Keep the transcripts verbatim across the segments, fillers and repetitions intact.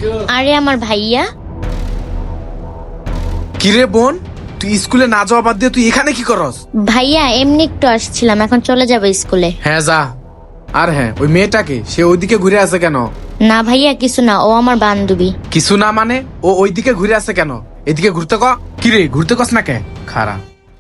আরে আমার ভাইয়া। কিরে বোন, তুই স্কুলে না যাওয়া বাদ দিয়ে তুই এখানে কি করস? ভাইয়া এমনি একটু আসছিলাম, এখন চলে যাবো স্কুলে। হ্যাঁ যা। আর হ্যাঁ, ওই মেয়েটাকে সে ওইদিকে ঘুরে আছে কেন? না ভাইয়া কিছু না, ও আমার বান্ধবী। কিছু না মানে ও ওইদিকে ঘুরে আছে কেন? এদিকে ঘুরতে ক। কিরে ঘুরতে কস না কে? খারাপ।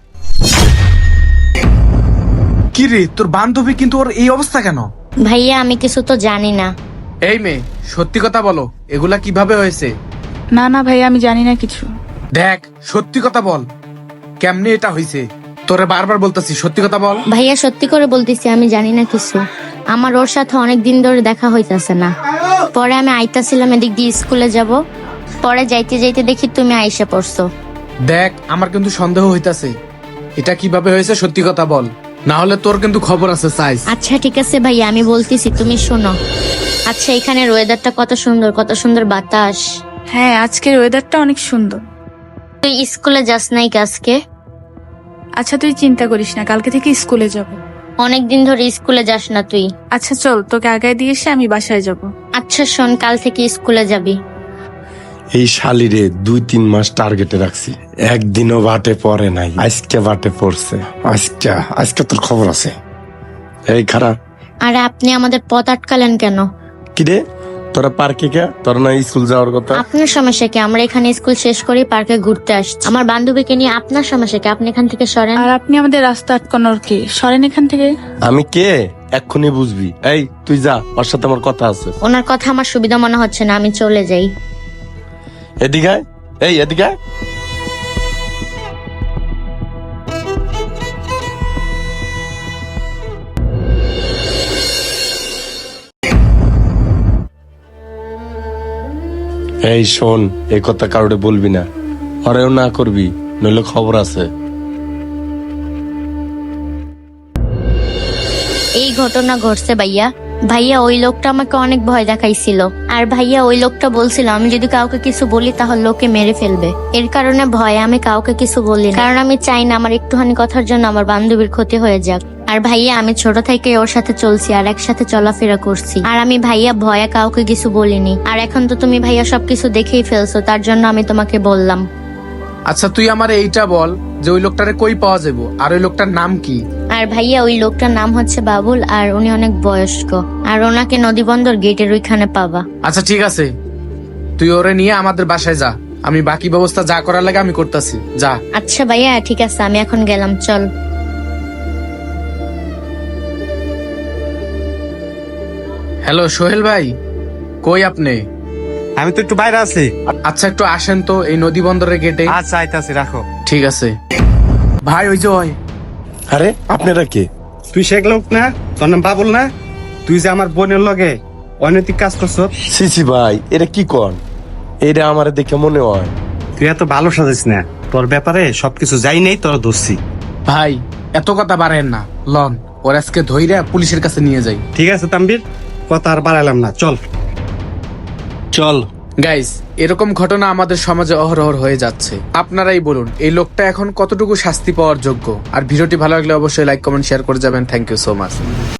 কিরে তোর বান্ধবী কিন্তু ওর এই অবস্থা কেন? ভাইয়া আমি কিছু তো জানি না। এই মেয়ে সত্যি কথা বলো, এগুলা কিভাবে হয়েছে? না না ভাইয়া আমি জানি না কিছু। দেখ সত্যি কথা বল, কেমনে এটা হয়েছে? তোরে বারবার বলতেছি সত্যি কথা বল। ভাইয়া সত্যি করে বলতেছি আমি জানি না কিছু। আমার ওর সাথে অনেক দিন ধরে দেখা হইতাছে না। পরে আমি আইতাছিলাম এদিক দিয়ে স্কুলে যাব, পরে যাইতে যাইতে দেখি তুমি আইসা পড়ছো। দেখ আমার কিন্তু সন্দেহ হইতাছে, এটা কিভাবে হয়েছে সত্যি কথা বল, না হলে তোর কিন্তু খবর আছে সাইজ। আচ্ছা ঠিক আছে ভাইয়া আমি বলতেছি, তুমি শোনো। আচ্ছা এখানের ওয়েদারটা কত সুন্দর, কত সুন্দর বাতাস। হ্যাঁ আজকের ওয়েদারটা অনেক সুন্দর। তুই স্কুলে যাস নাই আজকে? আচ্ছা তুই চিন্তা করিস না, কালকে থেকে স্কুলে যাব। অনেকদিন ধরে স্কুলে যাস না তুই। আচ্ছা চল তোকে আগায় দিয়ে এসে আমি বাসায় যাব। আচ্ছা শোন, কাল থেকে স্কুলে যাবি। এই শালিরে দুই তিন মাস টার্গেটে রাখছি, একদিনও বাটে পড়ে নাই, আজকে বাটে পড়ছে। আজকে আজকে তোর খবর আছে। এই খারাপ। আরে আপনি আমাদের পথ আটকালেন কেন? কিরে তোরা পার্কে কে? তোর না স্কুল যাওয়ার কথা? আপনার সমস্যা কি? আমরা এখানে স্কুল শেষ করে পার্কে ঘুরতে আসছি আমার বান্ধবীকে নিয়ে। আপনার সমস্যা কি? আপনি এখান থেকে সরেন। আর আপনি আমাদের রাস্তা আটকানোর কে? সরেন এখান থেকে। আমি কে এক্ষুনি বুঝবি। এই তুই যা, ওর সাথে আমার কথা আছে। ওনার কথা আমার সুবিধা মনে হচ্ছে না, আমি চলে যাই। এদিকে আয়, এই এদিকে আয়। এই শোন, এই কথা কারোরে বলবি না, হরেও না করবি, নইলে খবর আছে। এই ঘটনা ঘটছে ভাইয়া। ভাইয়া ওই লোকটা আমাকে অনেক ভয় দেখাইছিল, আর ভাইয়া ওই লোকটা বলছিল আমি যদি কাউকে কিছু বলি তাহলে লোকে মেরে ফেলবে। এর কারণে ভয়ে আমি কাউকে কিছু বলি না, কারণ আমি চাই না আমার একটুখানি কথার জন্য আমার বান্ধবীর ক্ষতি হয়ে যাক। আর ভাইয়া আমি ছোট থেকে ওর সাথে চলছি আর একসাথে চলাফেরা করছি, আর আমি ভাইয়া ভয়ে কাউকে কিছু বলিনি। আর এখন তো তুমি ভাইয়া সবকিছু দেখেই ফেলছো, তার জন্য আমি তোমাকে বললাম। আচ্ছা তুই আমার এইটা বল যে ওই লোকটারে কই পাওয়া যাবো, আর ওই লোকটার নাম কি? আর ভাইয়া ওই লোকটার নাম হচ্ছে বাবুল, আর উনি অনেক বয়স্ক, আর ওনাকে নদীবন্দর গেটের ওইখানে পাবা। আচ্ছা ঠিক আছে, তুই ওরে নিয়ে আমাদের বাসায় যা, আমি বাকি ব্যবস্থা যা করার লাগে আমি করতেছি, যা। আচ্ছা ভাইয়া ঠিক আছে, আমি এখন গেলাম, চল। হ্যালো সোহেল ভাই, কই আপনি? আমি তো একটু বাইরে আছি। আচ্ছা একটু আসেন তো এই নদী বন্দরের গেটে। আচ্ছা আইতাছি, রাখো। ঠিক আছে ভাই। ওই যে ওই। আরে আপনারা কে? তুই শেখ লোক না, তোর নাম বাবুল না? তুই যে আমার বোনের লগে অনৈতিক কাজ করছ। সিসি ভাই এটা কি কন? এটা আমার দেখে মনে হয় তুই এত ভালো সাজিস না, তোর ব্যাপারে সবকিছু যাই নেই, তোর ধরছি। ভাই এত কথা বাড়েন না, লন ওর আজকে ধইরা পুলিশের কাছে নিয়ে যাই। ঠিক আছে তাম্বির, কথা আর বাড়াইলাম না, চল চল। গাইস এরকম ঘটনা আমাদের সমাজে অহরহ হয়ে যাচ্ছে, আপনারাই বলুন এই লোকটা এখন কতটুকু শাস্তি পাওয়ার যোগ্য। আর ভিডিওটি ভালো লাগলে অবশ্যই লাইক কমেন্ট শেয়ার করে যাবেন। Thank you so much.